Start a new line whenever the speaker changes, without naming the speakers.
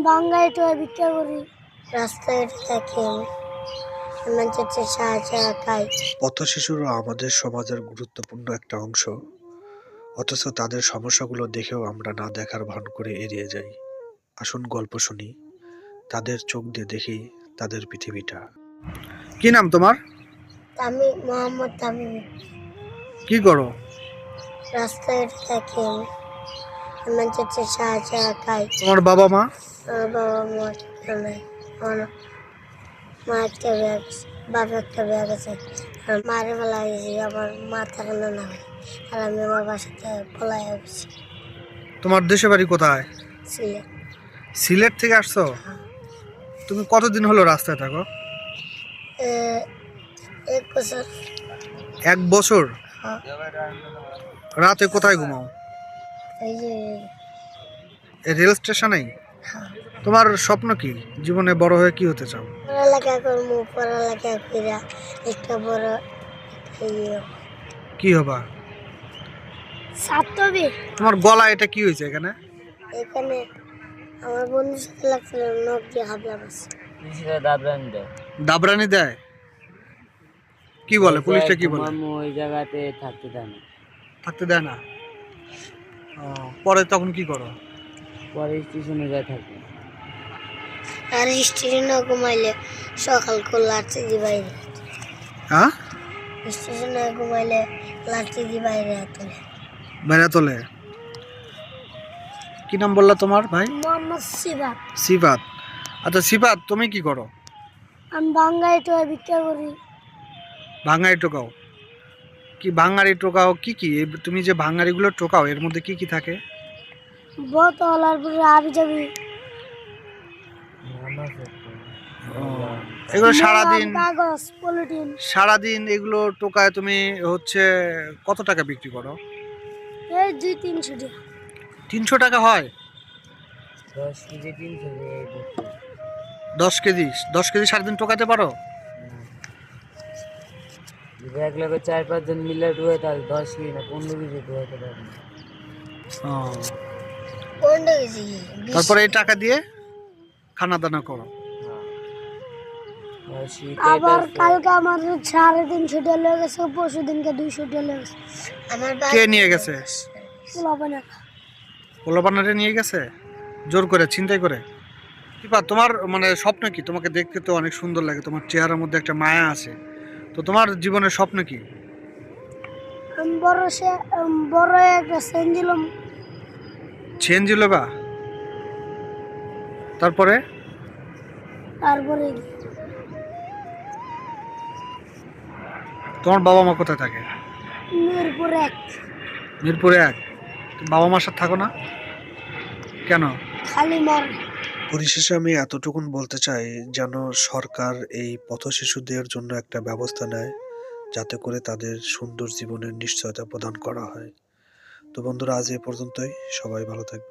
বাঙ্গাই তো ভিক্ষা করি, রাস্তায় থাকি, মানুষের সাহায্য খাই।
পথ শিশুরা আমাদের সমাজের গুরুত্বপূর্ণ একটা অংশ, অথচ তাদের সমস্যাগুলো দেখেও আমরা না দেখার ভান করে এড়িয়ে যাই। আসুন গল্প শুনি, তাদের চোখ দিয়ে দেখি তাদের পৃথিবীটা। কি নাম তোমার?
আমি মোহাম্মদ তামিম।
কি করো?
রাস্তায় থাকি, মানুষের সাহায্য খাই।
তোমার বাবা মা?
আমার বাবা মা নাই, আমার মা একটা বিয়ে গেছে, বাবা একটা বিয়ে গেছে। আর মারে বেলা গেছি, আমার মা থাকানো না হয়, আর আমি আমার বাসাতে পলাই গেছি।
তোমার দেশে বাড়ি কোথায়?
সিলেট।
সিলেট থেকে আসছো? তুমি কতদিন হলো রাস্তায় থাকো?
1 বছর।
1 বছর?
হ্যাঁ।
রাতে কোথায় ঘুমাও?
এই যে
এই রেল স্টেশনেই?
হ্যাঁ।
তোমার স্বপ্ন কি? জীবনে বড় হয়ে কি হতে চাও?
পড়ালেখা করবো, পড়ালেখা করে একটা বড় ইয়ে
কি হবা?
ছাত্র।
তোমার গলা এটা কি হয়েছে এখানে?
এখানে আমার বন্ধুর সাথে লাগছিল, নখ দিয়ে হাবলা বসে।
দাবরানি দেয়? কি বলে পুলিশটা, কি বলে?
ওই জায়গাতে থাকতে দেয় না।
থাকতে দেয় না? ও, পরে তখন কি করো?
পরে স্টেশনে যায় থাকি।
আর স্টেশনে ঘুমাইলে সকাল করে লাঠি দিয়ে বাইরে,
হ্যাঁ,
স্টেশনে ঘুমাইলে লাঠি দিয়ে বাইরে তোলে।
বাইরে তোলে? কি নাম বললা তোমার ভাই?
মোহাম্মদ সিবাত।
সিফাত। আচ্ছা সিফাত, তুমি কি করো?
আমি বাঙ্গাই তো ভিক্ষা করি।
ভাঙাড়ি টোকাও? কি ভাঙাড়ি টোকাও? কি কি তুমি যে ভাঙাড়িগুলো টোকাও এর মধ্যে কি কি থাকে?
বোতল আর পরে আবি যাবি,
এগুলো সারাদিন
কাগজ, পলিথিন।
সারাদিন এগুলো টোকায় তুমি হচ্ছে কত টাকা বিক্রি করো?
এই 200-300 টাকা।
300 টাকা হয়?
10 কেজি 300
10 কেজি? 10 কেজি সারাদিন টোকাতে পারো?
যদি এক লোকের 4-5 জন মিলে ডুবে, তাহলে 10 কেজি না 15 কেজি ডুবাইতে পারবে।
কোনটা গেছি?
তারপরে এই টাকা দিয়ে খানা দানা করো?
আবার কালকে আমার 350 টাকা লেগে গেছে, পরশু দিনকে 200 টাকা লেগে গেছে। আমার
কে নিয়ে গেছে? পোলাপানারে নিয়ে গেছে জোর করে, ছিনতাই করে? কিপা তোমার মানে স্বপ্ন কি? তোমাকে দেখতে তো অনেক সুন্দর লাগে, তোমার চেহারার মধ্যে একটা মায়া আছে, তো তোমার জীবনের স্বপ্ন কি?
আমি বড় একটা সেন দিলাম।
চেন জিলোবা? তারপরে?
তারপরে
তোমার বাবা মা কোথায় থাকে?
মিরপুর 1।
মিরপুরে 1? বাবা মার সাথে থাকো না কেন?
খালি মার।
পরিশেষে আমি এতটুকুন বলতে চাই, যেন সরকার এই পথ শিশুদের জন্য একটা ব্যবস্থা নেয়, যাতে করে তাদের সুন্দর জীবনের নিশ্চয়তা প্রদান করা হয়। তো বন্ধুরা, আজ এ পর্যন্তই। সবাই ভালো থাকবে।